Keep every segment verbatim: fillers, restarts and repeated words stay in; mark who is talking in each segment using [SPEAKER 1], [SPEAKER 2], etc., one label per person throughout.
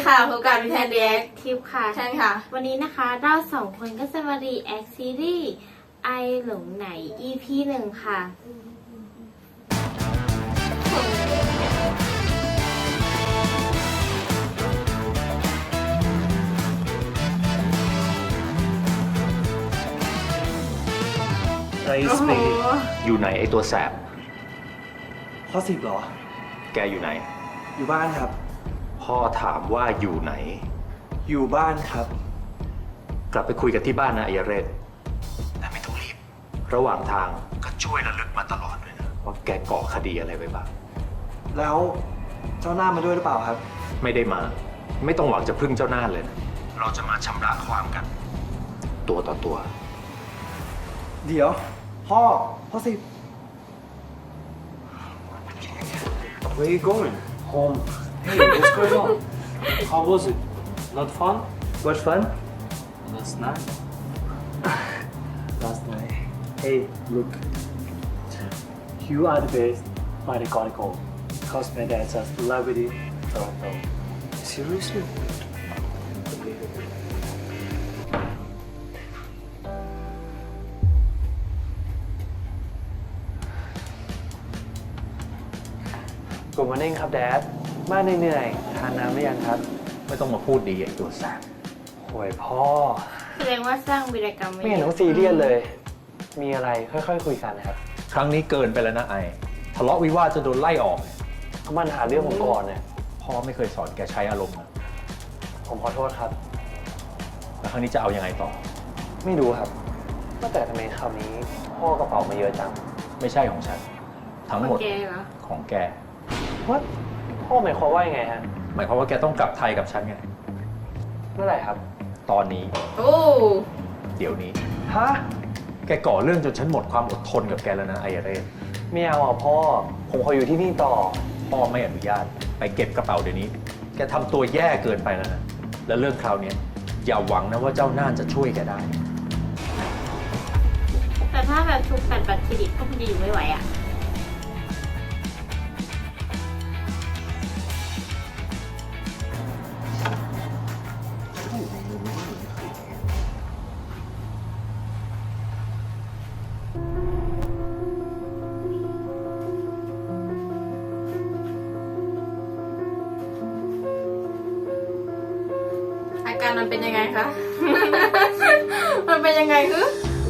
[SPEAKER 1] ค่ะพบกับวิทยาเรียก
[SPEAKER 2] ทิปค่ะ
[SPEAKER 1] ใช่ค่ะ
[SPEAKER 2] วันนี้นะคะเราสองคนก็จะมารีแอคซีรีส์ไอหลงไหน อี พี หนึ่งค่ะ
[SPEAKER 3] ไร
[SPEAKER 1] โอ้
[SPEAKER 3] ส
[SPEAKER 1] โห
[SPEAKER 3] เปก
[SPEAKER 4] อยู่ไหนไอตัวแสบ
[SPEAKER 3] ข้อสิบเหรอ
[SPEAKER 4] แกอยู่ไหน
[SPEAKER 3] อยู่บ้านครับ
[SPEAKER 4] พ่อถามว่าอยู่ไหน
[SPEAKER 3] อยู่บ้านครับ
[SPEAKER 4] กลับไปคุยกันที่บ้านนะไอยเรศแต่ไม่ต้องรีบ ระหว่างทางก็ช่วยระลึกมาตลอดเลยนะว่าแกก่อคดีอะไรไว้บ้าง
[SPEAKER 3] แล้วเจ้าหน้ามาด้วยหรือเปล่าครับ
[SPEAKER 4] ไม่ได้มา ไม่ต้องหวังจะพึ่งเจ้าหน้าเลยนะเราจะมาชำระความกัน ตัวต่อตัว
[SPEAKER 3] เดี๋ยว พ่อ ข้อสิบ
[SPEAKER 5] Where are you going? Home. Hey, what's going on? How was it? Not fun?
[SPEAKER 3] What fun
[SPEAKER 5] Last night.
[SPEAKER 3] last night Hey look
[SPEAKER 5] You are the best by the Chronicle. Cause my dad's a celebrity Toronto.
[SPEAKER 3] seriously
[SPEAKER 6] กูมาเน่งครับแดดบ้านเหนื่อยๆทานน้ำหรือยังครับ
[SPEAKER 4] ไม่ต้องมาพูดดีไอตัวแสบ
[SPEAKER 6] โอ้ยพ่อ
[SPEAKER 2] แสดงว่าสร้างวีรกรรม
[SPEAKER 6] ไม่เห็นต้องซีเรียสเลย มีอะไรค่อยๆคุยกันนะครับ
[SPEAKER 4] ครั้งนี้เกินไปแล้วนะไอทะเลาะวิวาทจนโดนไล่ออกเนี่ย
[SPEAKER 6] เขามันหาเรื่องผมก่อนเนี่ย
[SPEAKER 4] พ่อไม่เคยสอนแกใช้อารมณ์นะ
[SPEAKER 6] ผมขอโทษครับ
[SPEAKER 4] แล้วครั้งนี้จะเอายังไงต่อ
[SPEAKER 6] ไม่รู้ครับว่าแต่ทำไมคราวนี้พ่อกระเป๋ามาเยอะจัง
[SPEAKER 4] ไม่ใช่ของฉัน ทั้งหมด
[SPEAKER 2] แกเหรอ
[SPEAKER 4] ของแก
[SPEAKER 6] ว่าพ่อหมายความว่ายังไงฮะ
[SPEAKER 4] หมายความว่าแกต้องกลับไทยกับฉันไง
[SPEAKER 6] เมื่อไหร่ครับ
[SPEAKER 4] ตอนนี้
[SPEAKER 1] โอ้
[SPEAKER 4] เดี๋ยวนี้
[SPEAKER 6] ฮะ
[SPEAKER 4] แกก่อเรื่องจนฉันหมดความอดทนกับแกแล้วนะไอเรศ
[SPEAKER 6] ไม่เอาอ่ะพ่อ ผมขออยู่ที่นี่ต่อ
[SPEAKER 4] พ่อไม่อนุญาต ไปเก็บกระเป๋าเดี๋ยวนี้ แกทำตัวแย่เกินไปแล้วนะ แล้วเรื่องคราวเนี้ยอย่าหวังนะว่าเจ้าน่านจะช่วยแกได้
[SPEAKER 2] แต่ถ้าแบบทุกตัดบัตรเครดิตก็คงจะอยู่ไม่ไหวอ่ะ
[SPEAKER 1] อาการมันเป็นยังไงคะ มันเป็นยังไงคือ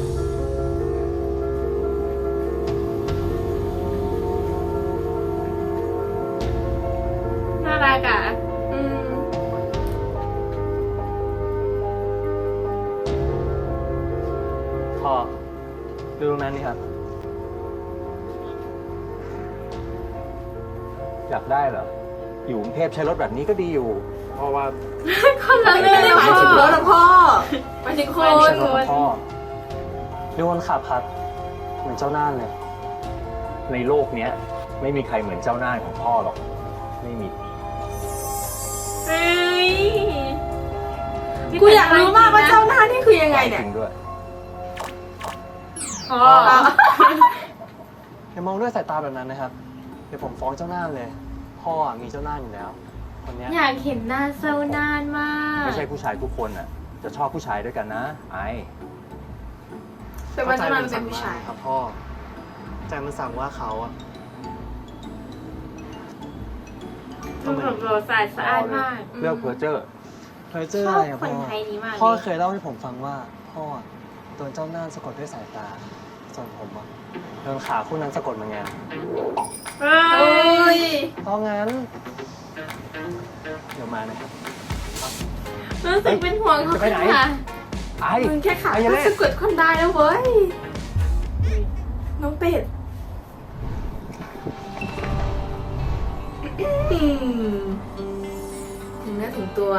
[SPEAKER 1] น่ารักอ่ะอืม
[SPEAKER 6] พ่อ ดูตรงนั้นนี่ครับ
[SPEAKER 4] อยากได้เหรอ อยู่กรุงเทพใช้รถแบบนี้ก็ดีอยู่
[SPEAKER 6] เพราะว่า
[SPEAKER 1] คนละเรื่องเลยหมายถึงรถหรอพ่อหมายถึงค
[SPEAKER 6] ไม่
[SPEAKER 1] น
[SPEAKER 6] ใช่รถของพ่อดูคนขับครับ เหมือนเจ้าน่านเลย
[SPEAKER 4] ในโลกเนี้ยไม่มีใครเหมือนเจ้าหน้าของพ่อหรอก ไม่มี
[SPEAKER 1] เฮ้ยกูอยากรู้มากว่าเจ้าหน้านี่คือยังไงเนี่ย
[SPEAKER 4] จริงด้วย
[SPEAKER 1] อ๋อ
[SPEAKER 6] อย่ามองด้วยสายตาแบบนั้นนะครับ เดี๋ยวผมฟ้องเจ้าน่านเลย พ่ออะมีเจ้าน่านอยู่แล้ว คนเนี้ย
[SPEAKER 2] อยากเห็นหน้าเศร้านานมาก
[SPEAKER 4] ไม่ใช่ผู้ชายทุกคนอ่ะ จะชอบผู้ชายด้วยกันนะ ไอ
[SPEAKER 1] แต่ว่าเจ้าหน้ามันเป็นผู้ชาย
[SPEAKER 6] ครับพ่อ ใจมันสั่งว่าเขาอะ
[SPEAKER 2] มันแบบโรสายสะอาดมาก
[SPEAKER 4] เลือกเพอร์เจอร์
[SPEAKER 6] เคยเจอ
[SPEAKER 2] ช
[SPEAKER 6] อะ
[SPEAKER 2] อ
[SPEAKER 6] ไร
[SPEAKER 2] บ
[SPEAKER 6] อะ
[SPEAKER 2] คน
[SPEAKER 6] พ่อ
[SPEAKER 2] ไทยนี้มาก
[SPEAKER 6] พ่อ
[SPEAKER 2] เลย
[SPEAKER 6] เคยเล่าให้ผมฟังว่า พ่อโดนเจ้าน่านสะกดด้วยสายตา ส่วนผมอะโดนขาคู่นั้นสะกดเหมือนกัน
[SPEAKER 2] เฮ้
[SPEAKER 1] โอ้
[SPEAKER 2] ย
[SPEAKER 1] ย
[SPEAKER 6] เพราะงั้น เดี๋ยวมานะครับ
[SPEAKER 2] รู้สึกเป็นห่วงเขา
[SPEAKER 4] จะไปไหน
[SPEAKER 2] ค่ะ
[SPEAKER 4] ไอ
[SPEAKER 1] มึงแค่ขา
[SPEAKER 4] ไอ้ยั
[SPEAKER 1] ก็
[SPEAKER 4] งไง
[SPEAKER 1] สะกดคนได้แล้วเว้ย น้องเป็ดอืมถึงเนื้อถึงตัว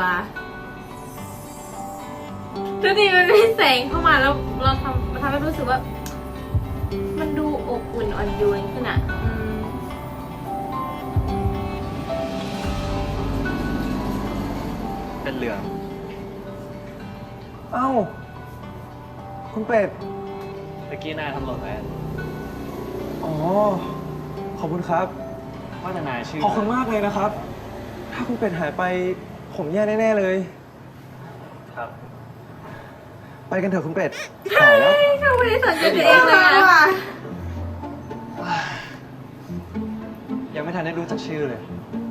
[SPEAKER 2] ดูดิมันเป็นแสงเข้ามาแล้วเราทำมันทำให้รู้สึกว่า มันดูอบอุ่นอ่อนโยนขึ้นอ่ะอืม
[SPEAKER 6] เป็นเหลือง
[SPEAKER 3] เอ้า คุณเป็ด
[SPEAKER 6] เมื่อกี้นายทำหล่นไว้
[SPEAKER 3] อ๋อ ขอบคุณครับ
[SPEAKER 6] ว่าแต่นายชื่อ
[SPEAKER 3] ขอบคุณมากเลยนะครับ ถ้าคุณเป็ดหายไป
[SPEAKER 6] ผมแย่แน่ๆเลย
[SPEAKER 5] ครับ
[SPEAKER 6] ไปกันเถอะคุณเป็ดสายแล้ว
[SPEAKER 2] เขาไม่ได้สนใจตัวเองเลยอะ
[SPEAKER 6] ยังไม่ทันได้รู้จักชื่อเลย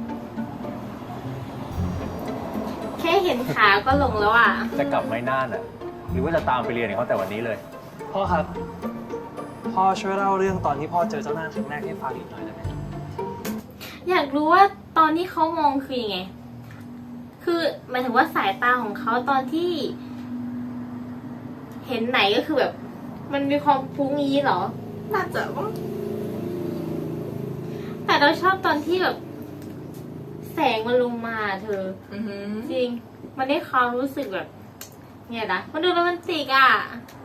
[SPEAKER 2] แค่เห็นขาก็หลงแล้วอ่ะ
[SPEAKER 5] จะกลับไม่น่านอ่ะ หรือว่าจะตามไปเรียนกับเขาแต่วันนี้เลย
[SPEAKER 6] พ่อครับ พ่อช่วยเล่าเรื่องตอนที่พ่อเจอเจ้าหน้าครั้งแรกให้ฟังอีกหน่อยได้ไหม
[SPEAKER 2] อยากรู้ว่าตอนที่เขามองคือยังไง คือหมายถึงว่าสายตาของเขาตอนที่ เห็นไหนก็คือแบบ มันมีความฟุ้งงี้เหรอ
[SPEAKER 1] น่าจะว่า
[SPEAKER 2] แต่เราชอบตอนที่แบบ แสงมันลงมาเธอ
[SPEAKER 1] อือหือ
[SPEAKER 2] จริง มันได้ความรู้สึกแบบ เนี่ยนะ มันดูโรแมนติกอ่ะ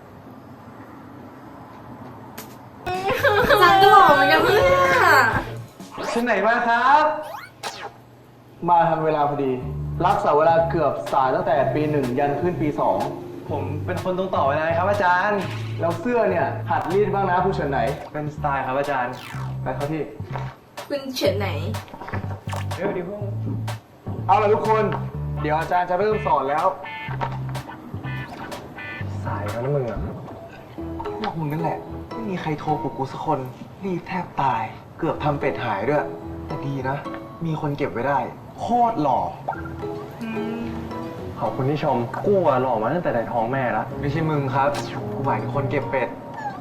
[SPEAKER 1] จังก็หล่อเหมือนกันเนี่ย
[SPEAKER 3] ที่ไหนมาครับ มาทันเวลาพอดี รักษาเวลาเกือบสายตั้งแต่ปีหนึ่งยันขึ้นปีสอง ผมเป็นคนตรงต่อเวลาครับอาจารย์ แล้วเสื้อเนี่ยหัดรีดบ้างนะผู้เฉินไหน เป็นสไตล์ครับอาจารย์ ไปเข้าที่
[SPEAKER 1] คุณเฉินไหน
[SPEAKER 3] เดี๋ยวดิพวกเอาล่ะทุกคน เดี๋ยวอาจารย์จะเริ่มสอนแล้ว สายแล้วนะมึงอ่ะพวกมึงนั่นแหละ ไม่มีใครโทรปลุกกูสักคน รีบแทบตาย เกือบทำเป็ดหายด้วย แต่ดีนะ มีคนเก็บไว้ได้ โคตรหล่อ ขอบคุณที่ชม กูอะหล่อมาตั้งแต่ในท้องแม่แล้วไม่ใช่มึงครับ กูหมายถึงคนเก็บเป็ด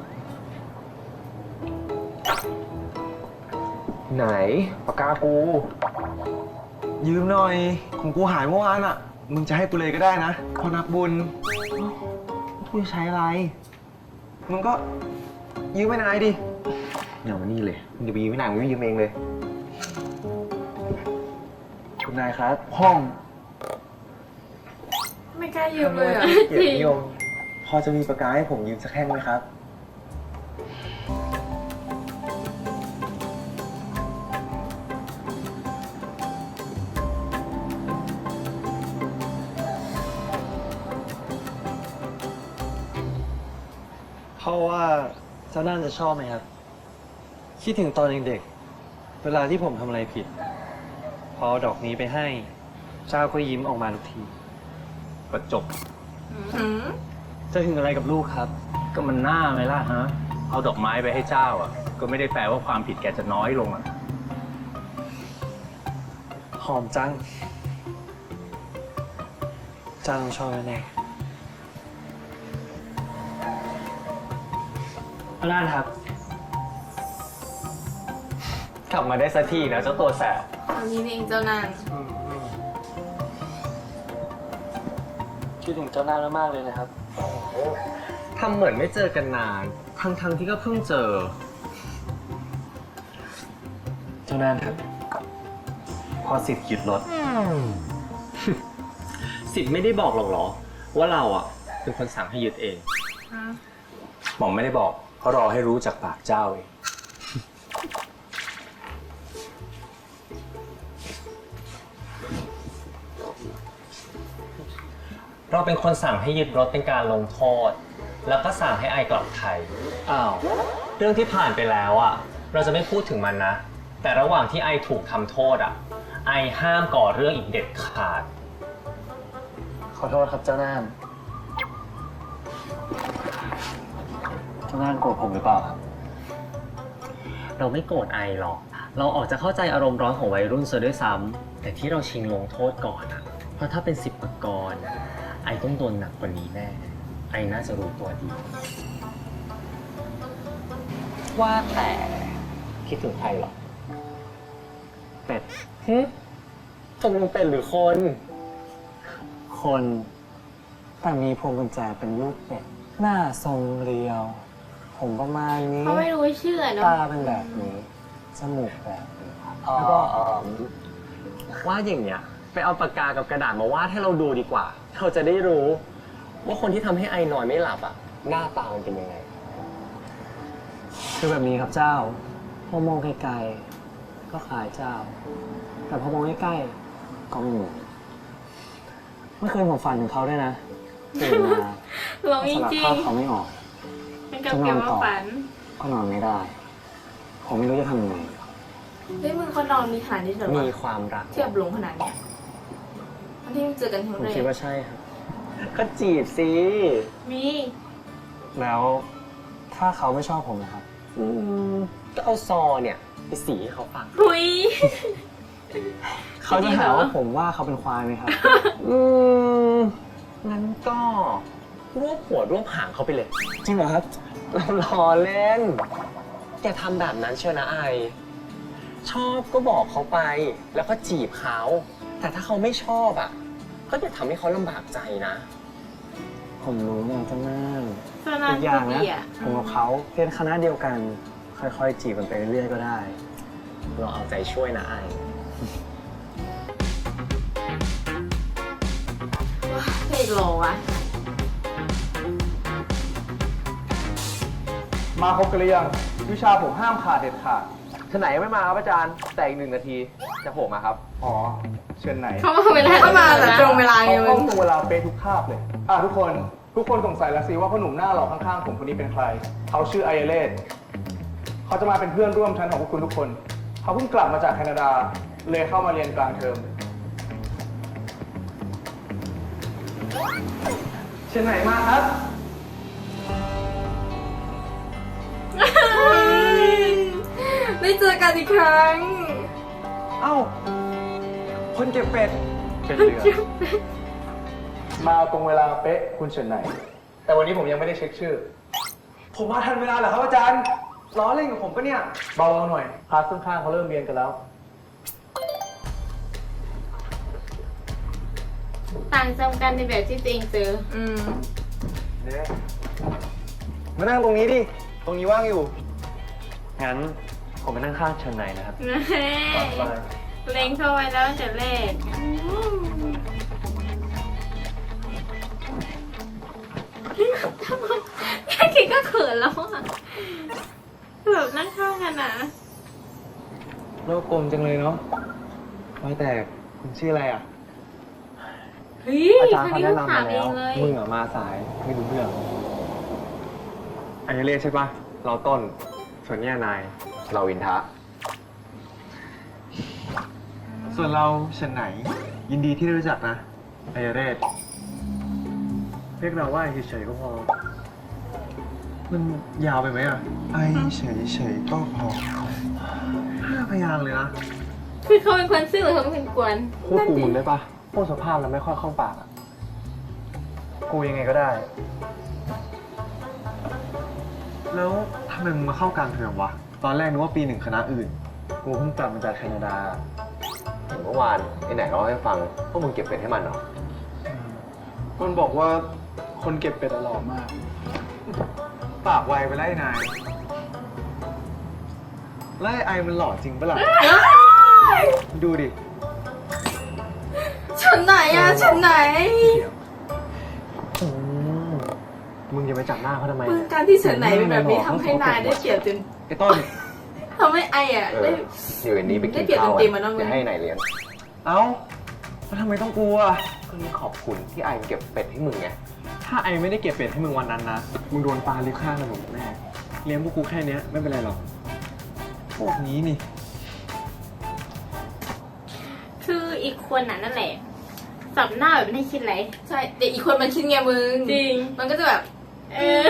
[SPEAKER 3] ไหนปากกากู ยืมหน่อย ของกูหายเมื่อวานอ่ะ มึงจะให้กูเลยก็ได้นะพอนักบุญกูจะใช้อะไร มึงก็ยืมไม่นายดิเอามานี่เลยมึงจะไปยืมไม่นายมึงไม่ยืมเองเลย คุณนายครับ ห้อง
[SPEAKER 1] ไม่กล้ายืมเลยอ่ะ
[SPEAKER 3] เกียรตินิยมพอจะมีปากกาให้ผมยืมสักแท่งไหมครับ
[SPEAKER 6] เพราะว่าเจ้าน่าจะชอบไหมครับ คิดถึงตอนเด็กๆเวลาที่ผมทำอะไรผิด พอเอาดอกนี้ไปให้ เจ้าก็ยิ้มออกมาทุกที
[SPEAKER 5] ก็จบ
[SPEAKER 1] อืม
[SPEAKER 6] จะถึงอะไรกับลูกครับ
[SPEAKER 5] ก็มันหน้าไหมล่ะฮะ เอาดอกไม้ไปให้เจ้าอ่ะ ก็ไม่ได้แปลว่าความผิดแกจะน้อยลงอ่ะ
[SPEAKER 6] หอมจังเจ้าต้องชอบแน่ๆเอาล่ะครับ
[SPEAKER 5] กลับมาได้สักทีนะเจ้าตัวแสบ
[SPEAKER 1] อันนี้เองเจ้านาง
[SPEAKER 6] คิดถึงเจ้าหน้ามากๆเลยนะครับ ทำเหมือนไม่เจอกันนาน ทั้งๆที่ก็เพิ่งเจอ เจ้าหน้าครับ พอสิทธิ์หยุดรถ สิทธิ์ไม่ได้บอกหรอกเหรอ ว่าเราอ่ะเป็นคนสั่งให้หยุดเอง
[SPEAKER 5] หม่อมไม่ได้บอกเขารอให้รู้จากปากเจ้าเอง
[SPEAKER 7] เราเป็นคนสั่งให้ยึดรถเป็นการลงโทษ แล้วก็สั่งให้ไอกลับไทย
[SPEAKER 6] อ้าว
[SPEAKER 7] เรื่องที่ผ่านไปแล้วอ่ะ เราจะไม่พูดถึงมันนะ แต่ระหว่างที่ไอถูกทำโทษอ่ะ ไอห้ามก่อเรื่องอีกเด็ดขาด
[SPEAKER 6] ขอโทษครับเจ้าน่านเจ้าน่านโกรธผมหรือเปล่าครับ
[SPEAKER 7] เราไม่โกรธไอหรอก เราออกจะเข้าใจอารมณ์ร้อนของวัยรุ่นซะด้วยซ้ำแต่ที่เราชิงลงโทษก่อนอ่ะ เพราะถ้าเป็นสิบประกรณ์ไอต้องโดนหนักกว่านี้แน่ ไอน่าจะรู้ตัวดี ว่าแต่คิดถึงใครหรอ
[SPEAKER 6] เป็ด
[SPEAKER 7] ฮึตกลงเป็นหรือคน
[SPEAKER 6] คนแต่มีพวงกุญแจเป็นรูปเป็ด หน้าทรงเรียว ผมประมาณนี้
[SPEAKER 2] เขาไม่รู้ชื่อเนาะ
[SPEAKER 6] ตาเป็นแบบนี้ จมูกแบบนี้
[SPEAKER 7] แล้วก็ว่าอย่างเนี้ยไปเอาปากกากับกระดาษมาวาดให้เราดูดีกว่า เราจะได้รู้ ว่าคนที่ทำให้ไอนอนไม่หลับอ่ะ หน้าตามันเป็นยังไง
[SPEAKER 6] คือแบบนี้ครับเจ้า พอมองไกลๆก็คล้ายเจ้า แต่พอมองใกล้ๆก็ไม่เหมือนเมื่อคืนผมฝันถึงเขาด้วยนะตื่นมา
[SPEAKER 2] หลง
[SPEAKER 6] ส
[SPEAKER 2] จ
[SPEAKER 6] ลับ
[SPEAKER 2] ริง
[SPEAKER 6] ภาพเขาไม่ออก
[SPEAKER 2] ๆเป็นกับเกี่ยวกับฝัน
[SPEAKER 6] ก็นอนไม่ได้ ผมไม่รู้จะทำยังไง
[SPEAKER 1] เฮ้ยมึงคนนอนมีขนาดนี้เหรอวะ
[SPEAKER 7] มีความรัก
[SPEAKER 1] เทียบหลงขนาดเนี้ยมันที่เจอกันครั้ง
[SPEAKER 7] ผม
[SPEAKER 1] แร
[SPEAKER 7] คิด
[SPEAKER 1] ก
[SPEAKER 7] ว่าใช่ครับ ก็จีบสิ
[SPEAKER 2] มี
[SPEAKER 7] แล้วถ้าเขาไม่ชอบผมนะครับ อืม ก็เอาซอเนี่ยไปสีให้เขาฟัง
[SPEAKER 2] หุย
[SPEAKER 7] เขาจะหาว่าผมว่าเขาเป็นควายไหมครับ อืม งั้นก็รวบหัวรวบหางเขาไปเลย จริงเหรอครับ เราล้อเล่น แกทำแบบนั้นเชียวนะไอ ชอบก็บอกเขาไป แล้วก็จีบเขา แต่ถ้าเขาไม่ชอบอ่ะ ก็อย่าทำให้เขาลำบากใจนะ ผมรู้ไงเจ้าแม่
[SPEAKER 2] สนาน
[SPEAKER 7] อีกอย่าง
[SPEAKER 2] ดี
[SPEAKER 7] นะ
[SPEAKER 2] อ่ะ
[SPEAKER 7] ผมกับเขาเรียนคณะเดียวกัน ค่อยๆ จีบกันไปเรื่อยๆก็ได้ เราเอาใจช่วยนะไอ
[SPEAKER 1] เพลงรอวะ
[SPEAKER 3] มาครบกันหรือยังวิชาผมห้ามขาดเด็ดขาดท่านไหนยังไม่มาครับอาจารย์ แต่อีกหนึ่งนาทีจะโผล่มาครับ อ๋อ เชิญไหน
[SPEAKER 2] เขามาเวลา
[SPEAKER 1] เข้ามาแต่ตรงเวลาไง
[SPEAKER 8] เขา
[SPEAKER 1] มึ
[SPEAKER 8] ต้อง งตรงเวลาเป๊ะทุกคาบเลย อ่ะทุกคน ทุกคนสงสัยแล้วสิว่าพ่อหนุ่มหน้าหล่อข้างๆผมคนนี้เป็นใคร เขาชื่อไอเลสเขาจะมาเป็นเพื่อนร่วมชั้นของพวกคุณทุกคน เขาเพิ่งกลับมาจากแคนาดา เลยเข้ามาเรียนกลางเทอม เชิญไหนมาครับ
[SPEAKER 1] ได้เจอกันอีกครั้ง
[SPEAKER 3] เอ้า คนเก็บเป็ด
[SPEAKER 8] เป็นเรือมาตรงเวลาเป๊ะคุณเฉินไหน แต่วันนี้ผมยังไม่ได้เช็คชื่อ
[SPEAKER 3] ผมมาทันเวลาเหรอครับอาจารย์ ล้อเล่นกับผมปะเนี่ย
[SPEAKER 8] เบาๆหน่อยคลาสข้างๆเขาเริ่มเรียนกันแล้ว
[SPEAKER 2] ต่างจำกันในแบบที่ตัวเองเจอ
[SPEAKER 1] อืม
[SPEAKER 3] เนี่ยมานั่งตรงนี้ดิ ตรงนี้ว่างอยู่
[SPEAKER 7] งั้นผมไปนั่งข้างเชิญไหนนะครับ
[SPEAKER 2] เล็งเข้าไว้แล้วตั้งแต่แรกทำไมแค่คิดก็เขินแล้วอ่ะแบบนั่งข้างกันอ่ะ
[SPEAKER 3] โลกกลมจังเลยเนาะว่าแต่คุณชื่ออะไรอ่ะ
[SPEAKER 2] เฮ้ย
[SPEAKER 3] อาจารย์
[SPEAKER 2] ค
[SPEAKER 3] เขา
[SPEAKER 2] นนี้
[SPEAKER 3] แนะ
[SPEAKER 2] ต้อง
[SPEAKER 3] นำ
[SPEAKER 2] ถาม
[SPEAKER 3] มา
[SPEAKER 2] เอ
[SPEAKER 3] แล้ว
[SPEAKER 2] งเลย
[SPEAKER 3] มึงอะมาสายไม่รู้เรื่องอันนี้เรียกใช่ปะเราต้น ส่วนเนี่ยนาย เราอินทะ ส่วนเราเฉินไหน ยินดีที่ได้รู้จักนะไอเรศ
[SPEAKER 6] เรียกเราว่าไอเฉยๆก็พอ
[SPEAKER 3] มันยาวไปไหมอ่ะ ไอเฉยเฉยๆก็พอห้าพยางค์เลยนะ
[SPEAKER 2] คือเขาเป็นคนซื่อหรือเขาเป็นคนกวน
[SPEAKER 3] พูดกูมึงได้ปะ
[SPEAKER 6] พูดสภาพแล้วไม่ค่อยเข้าปากอะกูยังไงก็ได้
[SPEAKER 3] แล้วทำไมมึงมาเข้ากลางเทอมวะ ตอนแรกนึกว่าปีหนึ่งคณะอื่น
[SPEAKER 6] กูเพิ่งกลับมาจากแคนาดา
[SPEAKER 9] เมื่อวานไอ้ไหนเล่าให้ฟังว่ามึงเก็บเป็ดให้มันเหรอ
[SPEAKER 8] คนบอกว่าคนเก็บเป็ดอะหล่อมาก
[SPEAKER 3] ปากไวไปไล่นายไล่ไอมันหล่อจริงปะล่ะ ดูดิ
[SPEAKER 1] ฉันไหนอะฉันไหน
[SPEAKER 6] อืมมึงจะไปจับหน้าเขาทำไม
[SPEAKER 1] มึง
[SPEAKER 6] เนี่ย
[SPEAKER 1] การที่ฉันไหนเป็นแบบนี้ทำให้นายได้เปรียบจน
[SPEAKER 3] ไอ้ต้น
[SPEAKER 1] ทำให้ไออะ
[SPEAKER 9] เอ
[SPEAKER 1] ได้
[SPEAKER 9] ออยู่อันนี้ไปกิน
[SPEAKER 1] ได้เปรียบ
[SPEAKER 9] ข้าว
[SPEAKER 1] เต็มๆอะเนอะมึง
[SPEAKER 9] จะให้ไหนเลี้ยง
[SPEAKER 3] เอ้าแล้วทำไมต้องกลัว
[SPEAKER 9] ก็นี่ขอบคุณที่ไอ้มันเก็บเป็ดให้มึงไง
[SPEAKER 6] ถ้าไอไม่ได้เก็บเป็ดให้มึงวันนั้นนะ มึงโดนปลาลิฟข้างถนนแน่ เลี้ยงพวกกูแค่เนี้ยไม่เป็นไรหรอก
[SPEAKER 3] พวกนี้นี่
[SPEAKER 2] คืออีกคนน่ะนั่นแหละ สับหน้าแบบไม่ได้คิดอะไร
[SPEAKER 1] ใช่แต่อีกคนมันคิดไงมึง
[SPEAKER 2] จริง
[SPEAKER 1] มันก็จะแบบ
[SPEAKER 2] เออ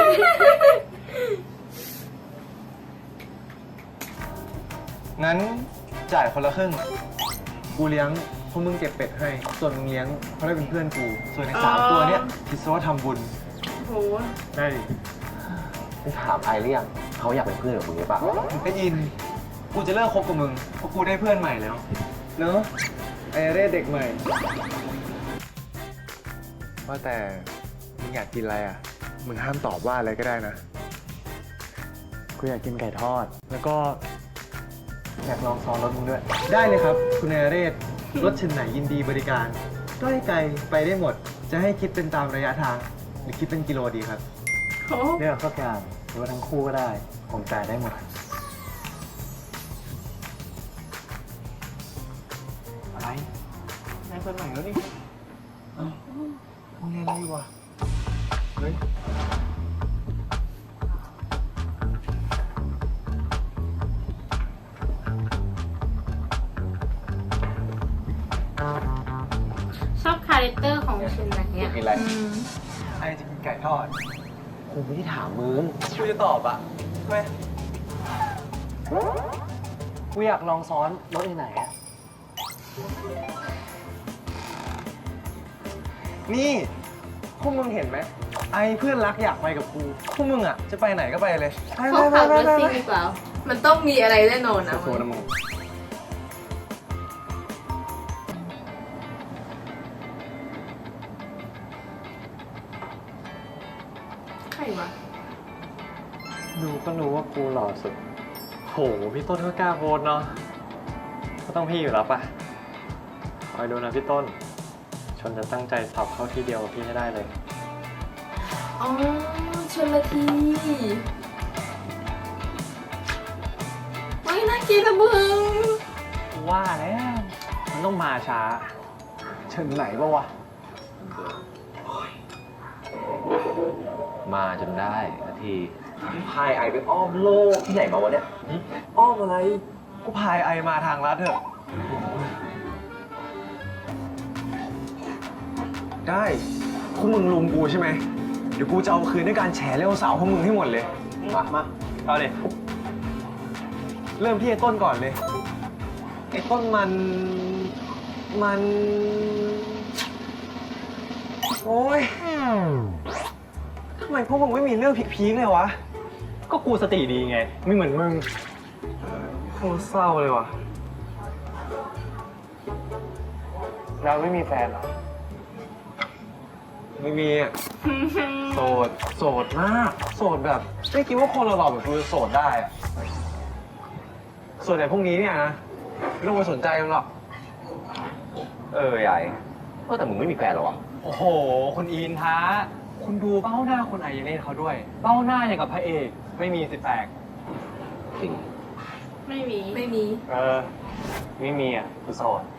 [SPEAKER 3] งั้นจ่ายคนละครึ่ง กูเลี้ยงพวกมึงเก็บเป็ดให้ ส่วนมึงเลี้ยงเพราะได้เป็นเพื่อนกู ส่วนในสาม
[SPEAKER 2] อ๋อ
[SPEAKER 3] ตัวเนี้ยคิดซะว่าทำบุญ
[SPEAKER 2] โห
[SPEAKER 3] ได้ดิ
[SPEAKER 9] มึงถามไอ้หรือยังเขาอยากเป็นเพื่อนกับมึงหรือเปล่า
[SPEAKER 3] ไอ้อิน กูจะเลิกคบกับมึง เพราะกูได้เพื่อนใหม่แล้ว เนอะไอเร่เด็กใหม่ ว่าแต่มึงอยากกินอะไรอ่ะ มึงห้ามตอบว่าอะไรก็ได้นะ
[SPEAKER 6] กูอยากกินไก่ทอด แล้วก็อยากลองซ้อนรถมึงด้วย
[SPEAKER 3] ได้เลยครับ คุณไอเรศรถเช่นไหนยินดีบริการใกล้ไกลไปได้หมด จะให้คิดเป็นตามระยะทาง หรือคิดเป็นกิโลดีครับ
[SPEAKER 2] โห
[SPEAKER 6] เลือกสักอย่างหรือว่าทั้งคู่ก็ได้ ผมจ่ายได้หมด
[SPEAKER 3] อะไรนายคนใหม่แล้วนี่เอ้ามึงเรียนอะไรวะเฮ้ย
[SPEAKER 2] เช่นไหนอ่ะ
[SPEAKER 9] กินอะไร
[SPEAKER 1] อืม
[SPEAKER 6] ไอจะกินไก่ทอด
[SPEAKER 9] กูไม่ได้ถามมึง
[SPEAKER 6] กูจะตอบอะทำไมกูอยากลองซ้อนรถไหนอะ นี่พวกมึงเห็นไหมไอเพื่อนรักอยากไปกับกูพวกมึงอะจะไปไหนก็ไปเลยไป
[SPEAKER 2] เขา
[SPEAKER 6] ไป
[SPEAKER 2] ขับ
[SPEAKER 6] ไป
[SPEAKER 2] รถ
[SPEAKER 6] ไป
[SPEAKER 2] ซิ่ง
[SPEAKER 6] ไป
[SPEAKER 2] ดีกว่า
[SPEAKER 1] มันต้องมีอะไรแน่นอนนะ
[SPEAKER 6] สู้ๆนะมึง
[SPEAKER 1] ใครวะ
[SPEAKER 6] ดูก็รู้ว่ากูหล่อสุดโหพี่ต้นก็กล้าโพสเนาะก็ต้องพี่อยู่แล้วปะคอยดูนะพี่ต้น ชนจะตั้งใจสอบเข้าที่เดียวกับพี่ให้ได้เลย
[SPEAKER 1] อ๋อชลทีไม่น่ากินนะมึง
[SPEAKER 6] ว่าแล้วมันต้องมาช้าเชิญไหนปะวะ
[SPEAKER 9] มาจนได้นาทีพายไอไปอ้อมโลกที่ไหนมาวะเนี่ย
[SPEAKER 6] อ้อมอะไร กูพายไอมาทางลัดเถอะ ได้พวกมึงลุมกูใช่ไหม เดี๋ยวกูจะเอาคืนด้วยการแฉเร็วสาวพวกมึงให้หมดเลย มา มาเอาเลย เริ่มที่ไอ้ต้นก่อนเลย ไอ้ต้นมัน มัน โอ้ยทำไมพวกมึงไม่มีเรื่องพีคๆเลยวะ ก็กูสติดีไง ไม่เหมือนมึงโคตรเศร้าเลยวะเราไม่มีแฟนเหรอ ไม่มีอ่ะ โสด โสดมาก โสดแบบ ไม่คิดว่าคนเราหล่อแบบกูจะโสดได้อะส่วนใหญ่พวกนี้เนี่ยนะ ไม่ต้องไปสนใจมันหรอก
[SPEAKER 9] เออใหญ่ว่าแต่มึงไม่มีแฟนเหรอวะ
[SPEAKER 6] โอ้โห คุณอินท้า คุณดูเบ้าหน้าคุณไอเล่เขาด้วย เบ้าหน้าอย่างกับพระเอก ไม่มีสิแปลก
[SPEAKER 9] จริง
[SPEAKER 2] ไม่มี
[SPEAKER 1] ไม่มี
[SPEAKER 6] เออ ไม่มีอ่ะคือโสด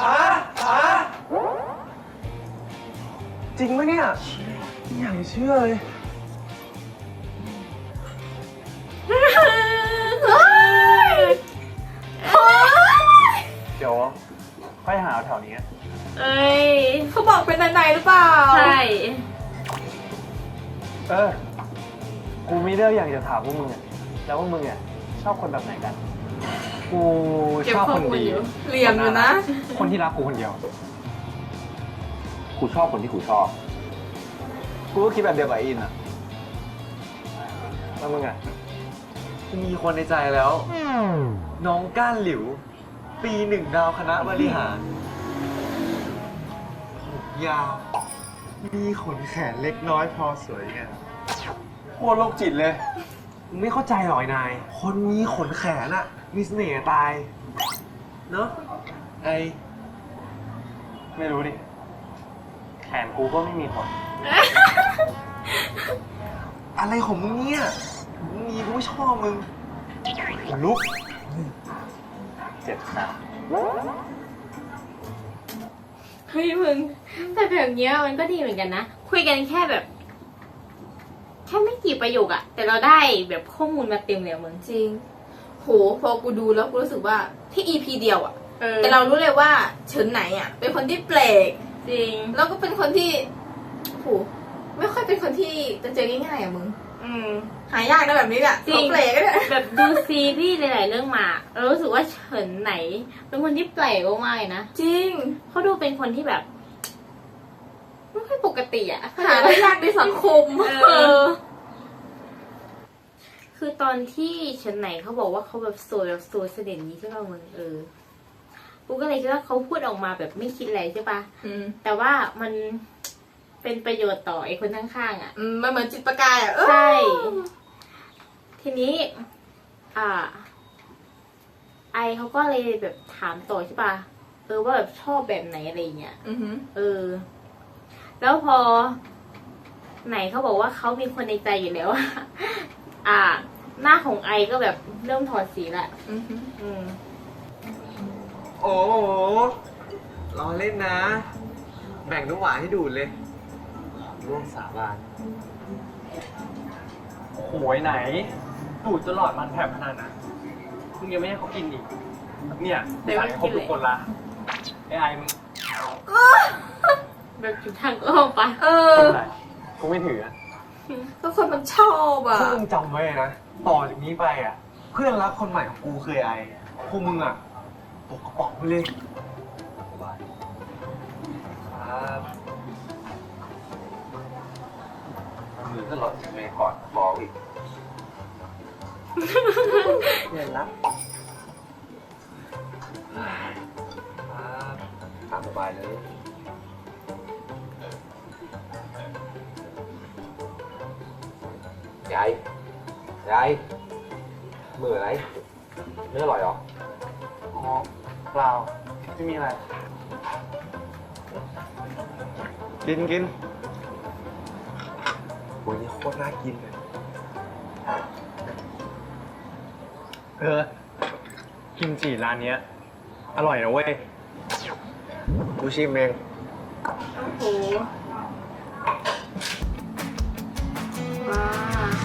[SPEAKER 6] จริงไหมเนี่ยไม่อยากจะเชื่อเลย เดี๋ยวค่อยหาแถวนี้
[SPEAKER 2] เอ้ย
[SPEAKER 1] เขาบอกเป็นไหนๆหรือเปล่า
[SPEAKER 2] ใช่
[SPEAKER 6] เออ กูมีเรื่องอยากจะถามพวกมึงอ่ะ แล้วว่ามึงอ่ะชอบคนแบบไหนกัน กู
[SPEAKER 1] เก็บ
[SPEAKER 6] ชอบ
[SPEAKER 1] ข้อ
[SPEAKER 6] คน
[SPEAKER 1] มูล
[SPEAKER 6] ดี
[SPEAKER 1] อยู่เหลี่ยมอยู่นะ
[SPEAKER 6] คนที่รักกูคนเดียว
[SPEAKER 9] กูชอบคนที่กูชอบ
[SPEAKER 6] กูก็คิดแบบเดียวกับอินอ่ะ แล้วมึงอ่ะ มีคนในใจแล้ว น้องก้านหลิว ปีหนึ่งดาวคณะบริหารผมยาว มีขนแขนเล็กน้อยพอสวยงามโคตรโรคจิตเลย มึงไม่เข้าใจหรอยนาย คนมีขนแขนอะมีเสน่ห์ตาย เนอะไอ ไม่รู้ดิ แขนกูก็ไม่มีขน อะไรของมึงเนี่ย มึงมีกูไม่ชอบมึงขนลุก เจ็บนะ
[SPEAKER 2] เฮ้ยมึง แต่แบบเนี้ยมันก็ดีเหมือนกันนะ คุยกันแค่แบบ แค่ไม่กี่ประโยคอะแต่เราได้แบบข้อมูลมาเต็มเลยอะมึง
[SPEAKER 1] จริง โห พอกูดูแล้วกูรู้สึกว่าที่ อี พี เดียวอะ
[SPEAKER 2] เออ
[SPEAKER 1] แต่เรารู้เลยว่าเฉินไหนอะเป็นคนที่แปลก
[SPEAKER 2] จริง
[SPEAKER 1] แล้วก็เป็นคนที่โหไม่ค่อยเป็นคนที่จะเจอง่ายๆอะมึง
[SPEAKER 2] อืม
[SPEAKER 1] หายากนะแบบนี้แหละ
[SPEAKER 2] จริง
[SPEAKER 1] เขาแปลกก็ได้
[SPEAKER 2] แบบดูซีรีส์หลายๆเรื่องมา เรารู้สึกว่าเฉินไหน เป็นคนที่แปลกมากๆเลยนะ
[SPEAKER 1] จริง
[SPEAKER 2] เขาดูเป็นคนที่แบบไม่ค่อยปกติอะ
[SPEAKER 1] หาได้ยากในสังคม
[SPEAKER 2] เออ คือตอนที่เฉินไหนเขาบอกว่าเขาแบบโสดแบบโสดเสน่ห์นี้ใช่ป่ะมึงเออกูก็เลยคิดว่าเขาพูดออกมาแบบไม่คิดอะไรใช่ป่ะ
[SPEAKER 1] อืม
[SPEAKER 2] แต่ว่ามันเป็นประโยชน์ต่อไอ้คนข้างๆอ่ะ
[SPEAKER 1] อืมมันเหมือนจิตประกายอะเออ
[SPEAKER 2] ใช่ ทีนี้ อ่า ไอเขาก็เลยแบบถามต่อใช่ป่ะ เออว่าแบบชอบแบบไหนอะไรเงี้ย
[SPEAKER 1] อือหือ
[SPEAKER 2] เออ แล้วพอ ไหนเขาบอกว่าเขามีคนในใจอยู่แล้วอะ อ่า หน้าของไอก็แบบเริ่มถอดสีละ
[SPEAKER 1] อือหือ
[SPEAKER 2] อืม
[SPEAKER 6] โอ้โหรอเล่นนะ แบ่งน้ำหวานให้ดูดเลย ร่วมสาบานโหยไหน ดูดตลอดมันแผลบขนาดนั้นมึงยังไม่ให้เขากินอีก เนี่ย
[SPEAKER 2] เดี๋ยว
[SPEAKER 6] สั่งให้ครบ
[SPEAKER 2] กินเลย
[SPEAKER 6] ทุกคนละไอ้ไอ้มึง
[SPEAKER 2] แบบจุดทางอ้อมปะ
[SPEAKER 1] เออ
[SPEAKER 5] ไม่เป็นไรกูไม่ถืออะ
[SPEAKER 1] ก็คนมันชอบอ่ะ
[SPEAKER 6] พวกมึงจำไว้นะ ต่อจากนี้ไปอ่ะ เพื่อนรักคนใหม่ของกูคือไอ้พวกมึงอ่ะตกกระป๋องไปเลยครับมือก็หล่นจากเมย์ก่อนบอกอีกเพื่อนรักครับตามสบายเลยยาย ยาย มืออะไรไม่อร่อยหรอ
[SPEAKER 5] อ๋อเปล่าไม่มีอะไร
[SPEAKER 6] กินกินโอ้ยนี่โคตรน่ากินเลย เออ กิมจิร้านเนี้ย อร่อยนะเว้ย กูชิมเอง
[SPEAKER 2] โอ้โหว้า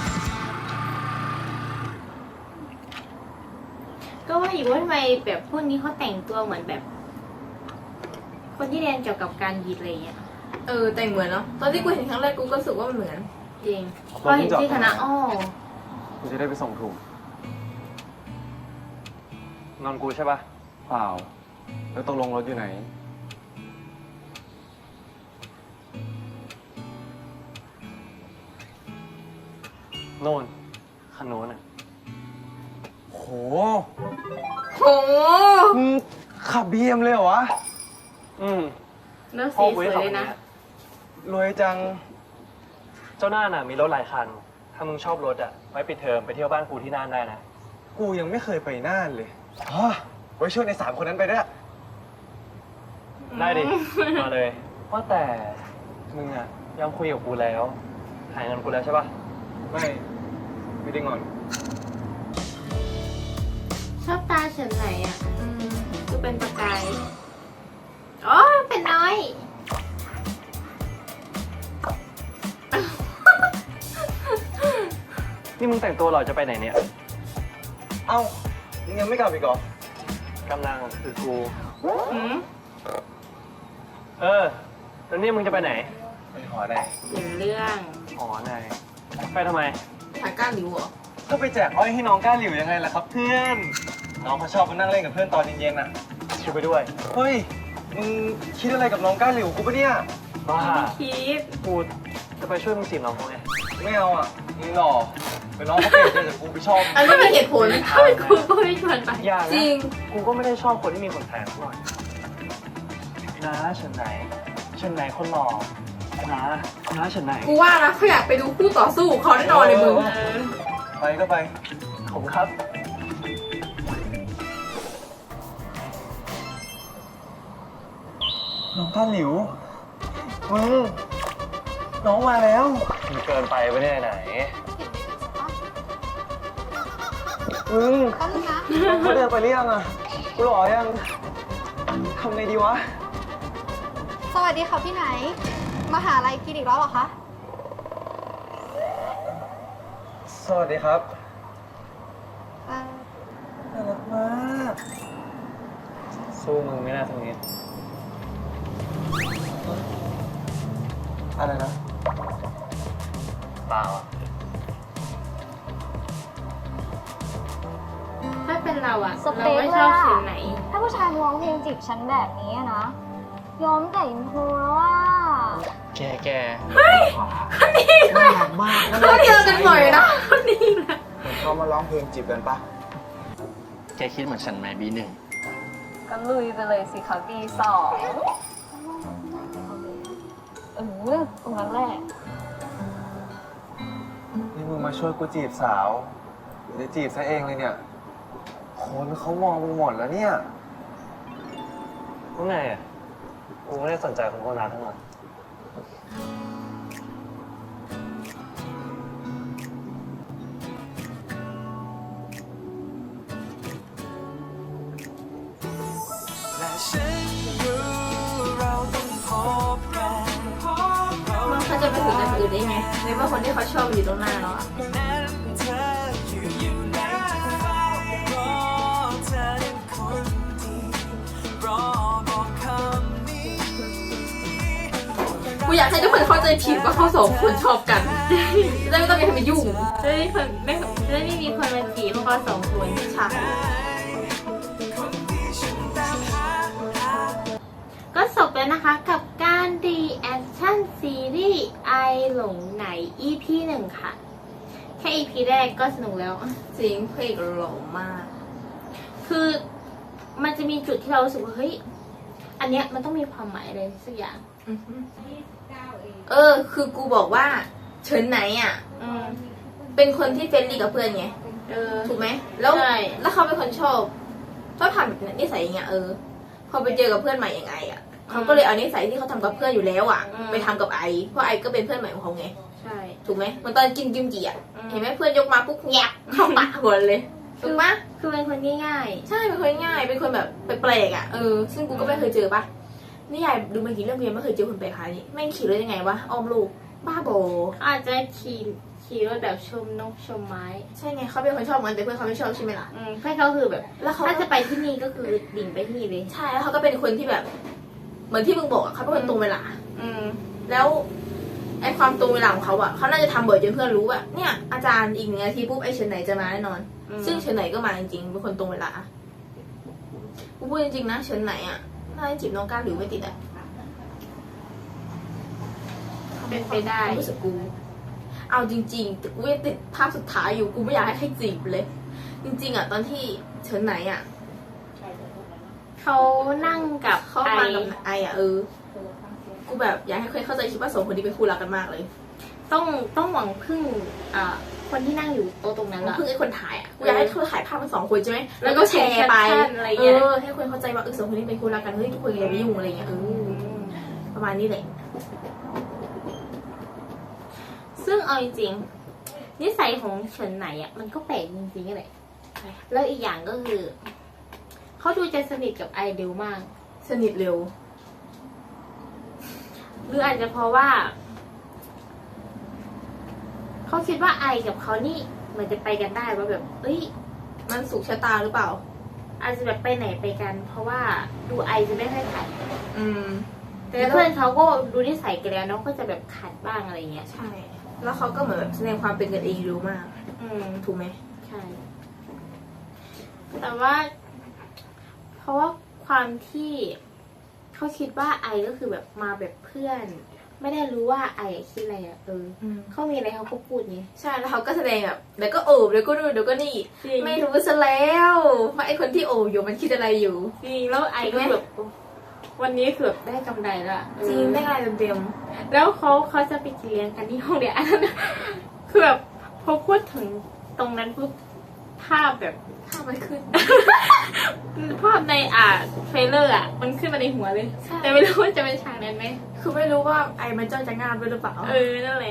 [SPEAKER 2] ก็ว่าอยู่ว่าทำไมแบบพวกนี้เขาแต่งตัวเหมือนแบบ คนที่เรียนเกี่ยวกับการยีดอะไรอย่างเงี้ย
[SPEAKER 1] เออแต่งเหมือนเนาะตอนที่กูเห็นครั้งแรกกูก็รู้สึกว่ามันเหมือน
[SPEAKER 2] จริงพอเห็นที่คณะอ้อ
[SPEAKER 6] กูจะได้ไปส่งถูก
[SPEAKER 5] นอนกูใช่ปะ
[SPEAKER 6] เปล่า แล้วตกลงรถอยู่ไหน
[SPEAKER 5] โน่นคันโน้นอ่ะ
[SPEAKER 6] โห
[SPEAKER 1] โห
[SPEAKER 6] มึงขับบีเอ็มเลยเหรอวะ
[SPEAKER 5] อืม
[SPEAKER 2] แล้ว
[SPEAKER 5] พ่อ
[SPEAKER 2] สี
[SPEAKER 5] กู
[SPEAKER 2] สวย
[SPEAKER 5] ให้ขับ
[SPEAKER 2] เลย
[SPEAKER 5] คัน
[SPEAKER 2] นะ
[SPEAKER 5] เนี้ย
[SPEAKER 6] รวยจัง
[SPEAKER 5] เจ้าหน้าน่ะมีรถหลายคัน ถ้ามึงชอบรถอ่ะ ไว้ปิดเทอมไปเที่ยวบ้านกูที่น่านได้นะ
[SPEAKER 6] กูยังไม่เคยไปน่านเลยอ๋อไว้ช่วยในสามคนนั้นไปด้วย
[SPEAKER 5] ได้ดิ มาเลย ว่าแต่มึงอ่ะยังคุยกับกูแล้วหายเงินกูแล้วใช่ปะ
[SPEAKER 6] ไม่ ไม่ได้งอน
[SPEAKER 2] ชอบตาเฉินไหนอ่ะ อืมดูเป็นประกาย อ๋อ เป็นน้อย
[SPEAKER 5] นี่มึงแต่งตัวหล่อจะไปไหนเนี่ย
[SPEAKER 6] เอ้า มึงยังไม่กลับอีกเหรอ
[SPEAKER 5] กำลังคือกู
[SPEAKER 2] อืม
[SPEAKER 5] เออ แล้วนี่มึงจะไปไหน
[SPEAKER 6] ไปหอได้
[SPEAKER 2] เปลี่ยนเรื่อง
[SPEAKER 5] อ๋อนายไปทำไม
[SPEAKER 1] หาก้านหลิวเหรอ
[SPEAKER 6] ก็ไปแจกอ้อยให้น้องก้าหลิวยังไงล่ะครับเพื่อน น้องเขาชอบมานั่งเล่นกับเพื่อนตอนเย็นๆน่ะ
[SPEAKER 5] ชิวไปด้วย
[SPEAKER 6] เฮ้ย มึงคิดอะไรกับน้องก้าหลิวกูปะเนี่ย
[SPEAKER 5] บ้า
[SPEAKER 2] คิด
[SPEAKER 5] กูจะไปช่วยมึงจีบน้องเขาไง
[SPEAKER 6] ไม่เอาอ่ะมึงหล่อเป็นน้องเขาเปลี่ยนใจจากกูไปชอบ
[SPEAKER 1] อันนี้มีเหตุผล
[SPEAKER 2] ถ้าเป็นครูก็ไม่ชวนไป
[SPEAKER 5] อย่า
[SPEAKER 1] จริ
[SPEAKER 5] นะ
[SPEAKER 1] ง
[SPEAKER 5] กูก็ไม่ได้ชอบคนที่มีขนแสงหน่อยนะเฉินไหนเฉินไหนคนหล่อนะนะเฉินไหน
[SPEAKER 1] กูว่านะเขาอยากไปดูคู่ต่อสู้ของเขาแน่นอนเลยมึง
[SPEAKER 2] เออ
[SPEAKER 6] ไปก็ไป
[SPEAKER 5] ขอบคุณครับ
[SPEAKER 6] น้องก้าหลิว มึง น้องมาแล้ว
[SPEAKER 5] มันเกินไปไปเนี่ยไหน
[SPEAKER 6] มึงเขาเดินไปหรือยังอ่ะ กูหล่อยัง ทำไงดีวะ
[SPEAKER 10] สวัสดีค่ะพี่ไหน มาหาอะไรกินอีกแล้วเหรอคะ
[SPEAKER 6] สวัสดีครับ
[SPEAKER 10] เอ่อ
[SPEAKER 6] น่ารักมาก
[SPEAKER 5] สู้มึงไม่น่าทำนี้
[SPEAKER 6] อะไรนะ
[SPEAKER 5] เปล่าอ่ะ
[SPEAKER 2] ถ้าเป็นเราอะ
[SPEAKER 10] ส
[SPEAKER 2] เรา
[SPEAKER 10] เปค
[SPEAKER 2] ไม่
[SPEAKER 10] เล
[SPEAKER 2] ชอย บ
[SPEAKER 10] อะ
[SPEAKER 2] เฉินไหน
[SPEAKER 10] ถ้าผู้ชายมาร้องเพลงจีบฉันแบบนี้อะนะ ยอมแต่อินโทรแล้วว่า
[SPEAKER 5] แกแก
[SPEAKER 6] น่ารักมาก
[SPEAKER 1] เขาเจอกันบ่อยนะ
[SPEAKER 2] คนนี้นะ
[SPEAKER 6] เขามาร้องเพลงจีบกันปะ
[SPEAKER 7] แกคิดเหมือนฉันไหมบีหนึ่ง
[SPEAKER 10] ก็ลุยไปเลยสิคะปีสองเออตรงนั้นแหละ
[SPEAKER 6] นี่มึงมาช่วยกูจีบสาวหรือจะจีบซะเองเลยเนี่ย คนเขามองมึงหมดแล้วเนี่ย
[SPEAKER 5] ว่าไงอ่ะ กูไม่ได้สนใจคนพวกนั้นทั้งหมด
[SPEAKER 2] มันเขาจะไปถึงกันอื่นได้ไงในเมื่อคนที่เขาชอบอยู่ตรงหน้าเราอะ
[SPEAKER 11] เ
[SPEAKER 1] อยากให้ทุกคนเข้าใจผิดว่าเขาสองคนชอบกันจะได้ไม่ต้องมีใครมายุ่ง
[SPEAKER 2] จะได้คนไม่จะได้ไม่มีคนมาจีบพวกเราสองคน
[SPEAKER 1] ใช่
[SPEAKER 2] ก็จบแล้วนะคะกับการ reaction ซีรีส์ไอหลงไหน อี พี หนึ่งค่ะ แค่ อี พี แรกก็สนุกแล้ว
[SPEAKER 1] จริงเพลงหล่อมาก
[SPEAKER 2] คือมันจะมีจุดที่เรารู้สึกว่าเฮ้ยอันเนี้ยมันต้องมีความหมายอะไรสักอย่าง
[SPEAKER 1] เออ คือกูบอกว่าเฉินไหนอ่ะ
[SPEAKER 2] อืม
[SPEAKER 1] เป็นคนที่เฟรนลี่กับเพื่อนไง
[SPEAKER 2] เออ
[SPEAKER 1] ถูกไหม แล้ว
[SPEAKER 2] ใช่
[SPEAKER 1] แล้วเขาเป็นคนชอบชอบทำแบบนิสัยอย่างเงี้ย เออ พอไปเจอกับเพื่อนใหม่ยังไงอ่ะ เขาก็เลยเอานิสัยที่เขาทำกับเพื่อนอยู่แล้วอ่ะ ไปทำกับไอ เพราะไอก็เป็นเพื่อนใหม่ของเขาไง
[SPEAKER 2] ใช่
[SPEAKER 1] ถูกไหมเหมันตอนกินกิมจิอ่ะ
[SPEAKER 2] อืม
[SPEAKER 1] เห็นไหมเพื่อนยกมาปุ๊บแงบเข้าปากหมดเลย ถูกปะ
[SPEAKER 2] คือเป็นคนง่าย
[SPEAKER 1] ใช่ เป็นคนง่าย เป็นคนแบบแปลกๆอ่ะ เออ ซึ่งกูก็ไม่เคยเจอปะนี่ยายดูมากี่เรื่องเรียนไม่เคยเจอคนแปลกขนาดนี้แม่งขี่รถยังไงวะ อ้อมลูก บ้าบอ
[SPEAKER 2] ๆอาจจะขี่ขี่รถแบบชมนกชมไม้
[SPEAKER 1] ใช่ไงเขาเป็นคนชอบมันแต่เพื่อนเขาไม่ชอบใช่ไหมล่ะ
[SPEAKER 2] อืมเพื่อนเขาคือแบบ
[SPEAKER 1] แล้วเขา
[SPEAKER 2] ถ้าจะไปที่นี่ก็คือดิ่งไปที่นี่เลย
[SPEAKER 1] ใช่ แล้วเขาก็เป็นคนที่แบบ เหมือนที่มึงบอกอะเขาเป็นคนตรงเวลา
[SPEAKER 2] อืม
[SPEAKER 1] แล้วไอความตรงเวลาของเขาอะเขาน่าจะทำบ่อยจนเพื่อนรู้ว่าเนี่ยอาจารย์อีกหนึ่งนาทีปุ๊บไอเฉินไหนจะมาแน่นอน
[SPEAKER 2] อืม
[SPEAKER 1] ซึ่งเฉินไหนก็มาจริงๆเป็นคนตรงเวลากูพูดจริงๆนะเฉินไหนอะน่าจะจีบน้องก้าวหรือไม่ติดอะ
[SPEAKER 2] เป็นไปได้
[SPEAKER 1] ความรู้สึกกู เอาจริงๆแต่กูยังติดภาพสุดท้ายอยู่กูไม่อยากให้ใครจีบเลย จริง ๆอะตอนที่เฉินไหนอะ
[SPEAKER 2] เขานั่งกับ
[SPEAKER 1] เข้า
[SPEAKER 2] ไอ
[SPEAKER 1] มากับไออะเออ กูแบบอยากให้ใครเข้าใจคิดว่าสองคนนี้เป็นคู่รักกันมากเลย
[SPEAKER 2] ต้องต้องหวังพึ่งอ่าคนที่นั่งอยู่โต๊ะตรงนั้น
[SPEAKER 1] แล้ว
[SPEAKER 2] อะ
[SPEAKER 1] เพิ่งไอ้คนถ่ายอ่ะ กูอยากให้เขาถ่ายภาพทั้งสองคนใช่ไหม
[SPEAKER 2] แล้
[SPEAKER 1] แล้ว
[SPEAKER 2] วก็
[SPEAKER 1] ก็แชร์ไป
[SPEAKER 2] แชร์อะไร
[SPEAKER 1] เอ
[SPEAKER 2] เงี้ย
[SPEAKER 1] อ ให้คนเข้าใจว่าเออสองคนนี้เป็นคู่รักกัน เฮ้ยทุกคนอย่าไปยุ่งอะไรเงี้ย เออ ประมาณนี้แหละ
[SPEAKER 2] ซึ่งเอาจริงๆนิสัยของเฉินไหนอะมันก็แปลกจริงๆแหละแล้วอีกอย่างก็คือเขาดูจะสนิทกับไอเร็วมาก
[SPEAKER 1] สนิทเร็ว
[SPEAKER 2] หรืออาจจะเพราะว่าเขาคิดว่าไอกับเขานี่เหมือนจะไปกันได้ว่าแบบ เอ้ย
[SPEAKER 1] มันสุขชะตาหรือเปล่า
[SPEAKER 2] อาจจะแบบไปไหนไปกัน เพราะว่าดูไอจะไม่ค่อยขัด
[SPEAKER 1] อืม
[SPEAKER 2] แต่เพื่อนเขาก็ดูนิสัยกันแล้วเนาะก็จะแบบขัดบ้างอะไรเงี้ย
[SPEAKER 1] ใช่ แล้วเขาก็เหมือนแบบแสดงความเป็นกันเองเร็วมาก
[SPEAKER 2] อืม
[SPEAKER 1] ถูกไหม
[SPEAKER 2] ใช่ แต่ว่า เพราะว่าความที่เขาคิดว่าไอก็คือแบบมาแบบเพื่อน ไม่ได้รู้ว่าไอคิดอะไรอ่ะเออ
[SPEAKER 1] อืม
[SPEAKER 2] เขามีอะไรเขาก็พูดไง
[SPEAKER 1] ใช่ แล้วเขาก็แสดงแบบเดี๋ยวก็โอบเดี๋ยวก็นู่นเดี๋ยวก็นี่
[SPEAKER 2] จริง
[SPEAKER 1] ไม่รู้ซะแล้วว่าไอ้คนที่โอบอยู่มันคิดอะไรอยู่
[SPEAKER 2] จริงแล้วไอก็แบบวันนี้คือแบบได้กำไรละเออ
[SPEAKER 1] จริงได้อะไรเต็ม
[SPEAKER 2] แล้วเขาเขาจะไปกินเลี้ยงกันที่ห้องเรียนอันนั้นคือแบบพอพูดถึงตรงนั้นปุ๊บภาพแบบ
[SPEAKER 1] ๆข้ามันขึ้น
[SPEAKER 2] ภาพในอ่าเทรลเลอร์อ่ะ มันขึ้นมาในหัวเลย
[SPEAKER 1] ใช่
[SPEAKER 2] แต่ไม่รู้ว่าจะเป็นฉากนั้นไหม
[SPEAKER 1] คือไม่รู้ว่าไอ้มันจ้องจะงามด้วยหรือเปล่า
[SPEAKER 2] เออ นั่นแหละ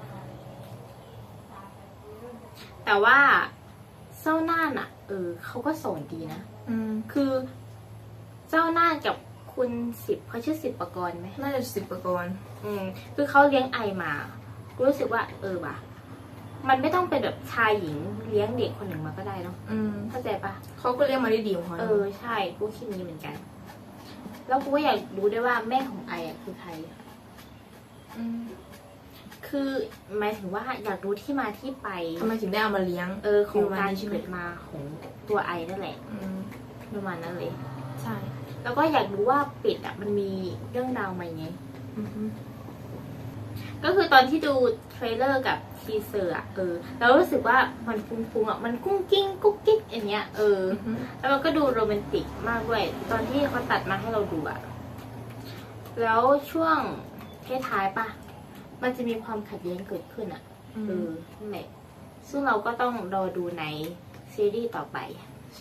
[SPEAKER 2] แต่ว่าเจ้าน่านอ่ะ เออเขาก็สอนดีนะ
[SPEAKER 1] อืม
[SPEAKER 2] คือเจ้าน่านกับคุณสิบเขาชื่อสิบประกรณ์ไหม
[SPEAKER 1] น่าจะสิบประกรณ์
[SPEAKER 2] อืม คือเขาเลี้ยงไอมากูรู้สึกว่า เออว่ะมันไม่ต้องเป็นแบบชายหญิงเลี้ยงเด็กคนหนึ่งมาก็ได้เนาะ
[SPEAKER 1] อืม
[SPEAKER 2] เข้าใจปะ
[SPEAKER 1] เขาก็เรียกมาได้ดีของเขา
[SPEAKER 2] เออใช่กูคิดนี้เหมือนกัน แล้วกูก็อยากรู้ด้วยว่าแม่ของไออ่ะคือใคร
[SPEAKER 1] ม
[SPEAKER 2] คือหมายถึงว่าอยากรู้ที่มาที่ไป
[SPEAKER 1] ทำไมถึงได้เอามาเลี้ยง
[SPEAKER 2] เออของ
[SPEAKER 1] ประมาณ
[SPEAKER 2] การ
[SPEAKER 1] นี้ใช่ไหม
[SPEAKER 2] เกิดมาของตัวไอนั่นแหละ
[SPEAKER 1] อืม
[SPEAKER 2] ประมาณนั้นเลย
[SPEAKER 1] ใช่
[SPEAKER 2] แล้วก็อยากรู้ว่าเป็ดอ่ะมันมีเรื่องราวมาไง
[SPEAKER 1] อือฮึ
[SPEAKER 2] ก็คือตอนที่ดูเทรลเลอร์กับทีเซอร์อ่ะเออแล้วรู้สึกว่ามันฟุ้งๆอ่ะมันกุ้งกิ้งกุ๊กกิ๊กอย่างเงี้ยเออ
[SPEAKER 1] อือฮึ
[SPEAKER 2] แล้วมันก็ดูโรแมนติกมากด้วย ตอนที่เขาตัดมาให้เราดูอะแล้วช่วงท้ายๆปะมันจะมีความขัดแย้งเกิดขึ้นอะเออนั่นแหละซึ่งเราก็ต้องรอดูในซีรีส์ต่อไป
[SPEAKER 1] ใช่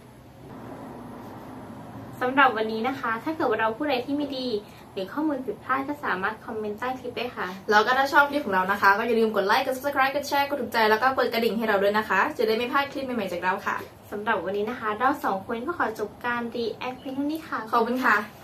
[SPEAKER 2] สำหรับวันนี้นะคะ ถ้าเกิดว่าเราพูดอะไรที่ไม่ดีหรือข้อมูลผิดพลาดก็สามารถคอมเมนต์ใต้คลิปได้ค่ะ
[SPEAKER 1] แล้วก็ถ้าชอบคลิปของเรานะคะ ก็อย่าลืมกดไลค์ กด subscribe กดแชร์ กดถูกใจ แล้วก็กดกระดิ่งให้เราด้วยนะคะ จะได้ไม่พลาดคลิปใหม่ๆจากเราค่ะ
[SPEAKER 2] สำหรับวันนี้นะคะ เราสองคนก็ขอจบการรีแอคเพียงเท่านี้ค่ะ
[SPEAKER 1] ขอบคุณค่ะ